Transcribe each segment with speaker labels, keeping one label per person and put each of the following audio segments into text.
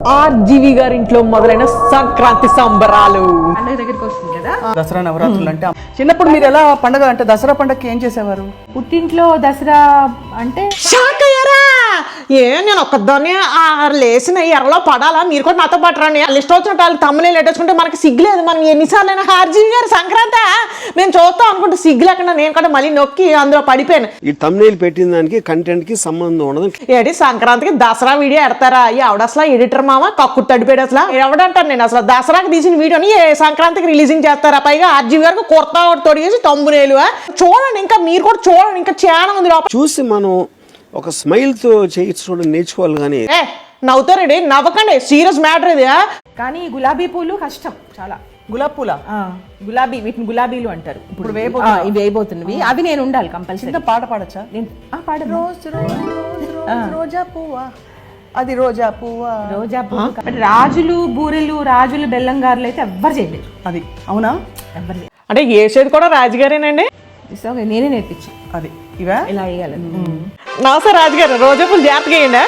Speaker 1: RGV గారి ఇంట్లో మొదలైన సంక్రాంతి సంబరాలు
Speaker 2: పండుగ దగ్గరికి వస్తుంది కదా.
Speaker 3: దసరా నవరాత్రులు అంటే చిన్నప్పుడు మీరు ఎలా పండుగ అంటే దసరా పండుగకి ఏం చేసేవారు?
Speaker 2: పుట్టింట్లో దసరా అంటే
Speaker 1: షాక్ అయ్యారా? నేను ఒక్కదాన్ని లేచిన ఎర్రలో పడాలా? మీరు కూడా నాతో పాటు రండి. లిస్ట్ వచ్చినట్టు వాళ్ళు తమ్మునే లేటేసుకుంటే మనకి సిగ్గులేదు. మనం ఎన్నిసార్లు అయినా ఆర్జీవి గారు సంక్రాంతి మేము చూస్తాం అనుకుంటే సిగ్గు లేకుండా నేను కూడా మళ్ళీ నొక్కి అందులో పడిపోయాను.
Speaker 4: ఈ తమ్నెయిల్ పెట్టిన దానికి కంటెంట్ కి సంబంధం ఉండదు.
Speaker 1: ఏడి సంక్రాంతికి దసరా వీడియో ఎడతారా? ఎవడ అసలు ఎడిటర్ మామ కక్కు తడిపోయాడు. అసలు ఎవడంటాను నేను అసలు దసరాకి తీసిన వీడియోని ఏ సంక్రాంతికి రిలీజింగ్ చేస్తారా? పైగా ఆర్జీవి గారికి కుర్తా తొడిగేసి తమ్మునేలు. చూడండి, ఇంకా మీరు కూడా చూడండి, ఇంకా చాలా ఉంది లోపల.
Speaker 4: చూసి మనం ఒక స్మైల్ తో చేయడం నేర్చుకోవాలి. కానీ
Speaker 1: నవ్వుతారండి, నవ్వకండి, సీరియస్ మ్యాటర్ ఇది.
Speaker 2: కానీ గులాబీ పూలు కష్టం చాలా.
Speaker 3: గులాబ్ పూల
Speaker 2: గులాబీ, వీటిని గులాబీలు అంటారు.
Speaker 3: ఇప్పుడు
Speaker 2: ఇవి వేయబోతున్నవి. అవి నేను ఉండాలి కంపల్సరీ.
Speaker 3: పాట పాడచ్చా?
Speaker 2: నేను పాడను.
Speaker 3: రోజా పువ్వా, అది రోజా పువ్వా.
Speaker 2: రోజా పువ్వు. బట్ రాజులు బూరెలు, రాజులు బెల్లం గారెలు అయితే ఎవ్వరు చేయలేరు.
Speaker 3: అది అవునా?
Speaker 2: ఎవ్వరు చేయలేరు.
Speaker 1: అంటే వేసేది కూడా రాజుగారేనండి.
Speaker 2: సో నేనే నేర్పించాను
Speaker 3: అది ఇవా
Speaker 2: ఇలా వేయాలని.
Speaker 1: నమస్తే రాజుగారు, రోజా పూలు జాగ్రత్తగా వేయండి.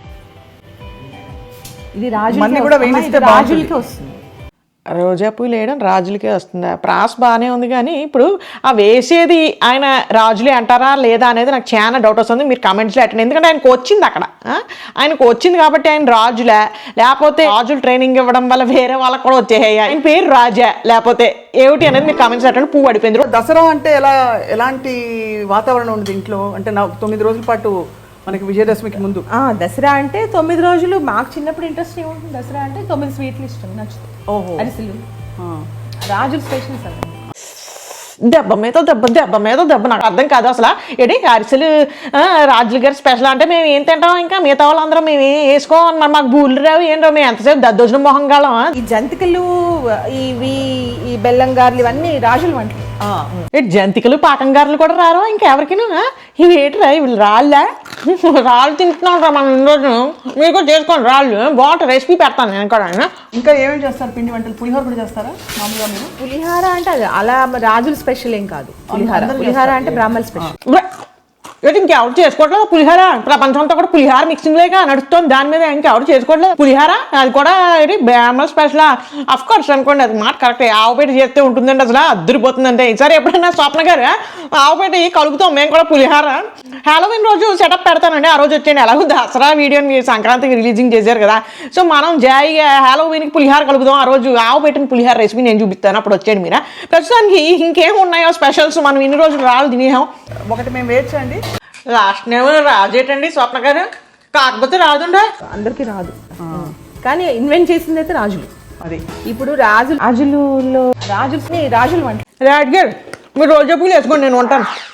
Speaker 2: ఇది రాజు
Speaker 3: కూడా వేయిస్తే
Speaker 2: రాజులకి వస్తుంది.
Speaker 1: రోజా పూలు వేయడం రాజులకే వస్తుందా? ప్రాస్ బాగానే ఉంది, కానీ ఇప్పుడు ఆ వేసేది ఆయన రాజులే అంటారా లేదా అనేది నాకు చాలా డౌట్ వస్తుంది. మీరు కామెంట్స్లో అటెండ్, ఎందుకంటే ఆయనకు వచ్చింది అక్కడ, ఆయనకు వచ్చింది కాబట్టి ఆయన రాజులే, లేకపోతే రాజులు ట్రైనింగ్ ఇవ్వడం వల్ల వేరే వాళ్ళకి కూడా వచ్చేయాయి. ఆయన పేరు రాజా లేకపోతే ఏమిటి అనేది మీరు కామెంట్స్ అటెండ్. పువ్వు పడిపోయింది.
Speaker 3: దసరా అంటే ఎలాంటి వాతావరణం ఉంది ఇంట్లో? అంటే 9 రోజుల పాటు మనకి విజయదశమికి ముందు
Speaker 2: దసరా అంటే 9 రోజులు. మాకు చిన్నప్పుడు ఇంట్రెస్ట్ ఏముంటుంది? దసరా అంటే 9 స్వీట్లు ఇష్టం, నచ్చుతుంది. అరిసెలు రాజుల స్పెషల్స్ అవి.
Speaker 1: దెబ్బ మీద దెబ్బ, దెబ్బ మీద దెబ్బ. నాకు అర్థం కాదు అసలు. ఏంటి అరిసెలు రాజుల గారి స్పెషల్ అంటే మేము ఏం తింటాం? ఇంకా మిగతా వాళ్ళందరం మేము ఏం వేసుకోవాలి? మరి మాకు బూళ్ళు రావు, ఏం రావు, మేము ఎంతసేపు దద్దోజనం మొహంగాలం.
Speaker 2: ఈ జంతికలు, ఇవి, ఈ బెల్లం గారెలు, ఇవన్నీ రాజుల వంటలు.
Speaker 1: జంతికలు పాకంగారులు కూడా రారు ఇంకెవరికినా? ఇవి ఏంటిరా? ఇవి రాళ్ళా? రాళ్ళు తింటున్నాం రా మనం రోజు. మీరు కూడా చేసుకోండి, రాళ్ళు బాగుంటుంది. రెసిపీ పెడతాను నేను కూడా.
Speaker 3: ఇంకా ఏమేమి చేస్తారు? పిండి వంటలు, పులిహోర కూడా చేస్తారా మామూలుగా మీరు?
Speaker 2: పులిహార అంటే అది అలా రాజుల స్పెషల్ ఏం కాదు. పులిహార అంటే బ్రాహ్మణుల స్పెషల్.
Speaker 1: ఏంటి ఇంకెవరు చేసుకోవట్లేదు పులిహార? ప్రపంచం అంతా కూడా పులిహార మిక్సింగ్ లేక నడుస్తుంది. దాని మీద ఇంకెవరు చేసుకోవట్లేదు పులిహార. అది కూడా ఏంటి బ్రాహ్మణ స్పెషల్. అఫ్ కోర్స్ అనుకోండి, అది మాట కరెక్టే. ఆవుపేట చేస్తే ఉంటుందండి, అసలు అద్దరిపోతుందంటే. ఈసారి ఎప్పుడైనా స్వప్న గారు ఆవుపేట కలుపుతాం మేము కూడా పులిహార. హ్యాలోవిన్ రోజు సెటప్ పెడతానండి, ఆ రోజు వచ్చేయండి. ఎలాగో దసరా వీడియోని మీరు సంక్రాంతికి రిలీజింగ్ చేశారు కదా, సో మనం జాయిగా హ్యాలోవిన్కి పులిహార కలుపుదాం. ఆ రోజు ఆవుపేటని పులిహార రెసిపీ నేను చూపిస్తాను, అప్పుడు వచ్చేయండి మీరు. ప్రస్తుతానికి ఇంకేం ఉన్నాయో స్పెషల్స్? మనం ఇన్ని రోజులు రాళ్ళు తినేసాం.
Speaker 3: ఒకటి మేము వేయచ్చండి.
Speaker 1: లాస్ట్ నేమ్ రాజేటండి స్వప్న గారు, కాకపోతే రాదుండే.
Speaker 2: అందరికి రాదు, కానీ ఇన్వెంట్ చేసింది అయితే రాజులు.
Speaker 3: అది
Speaker 2: ఇప్పుడు రాజులు వంట.
Speaker 1: రాజు గారు మీరు రోజా పూలు వేసుకోండి, నేను ఉంటాను.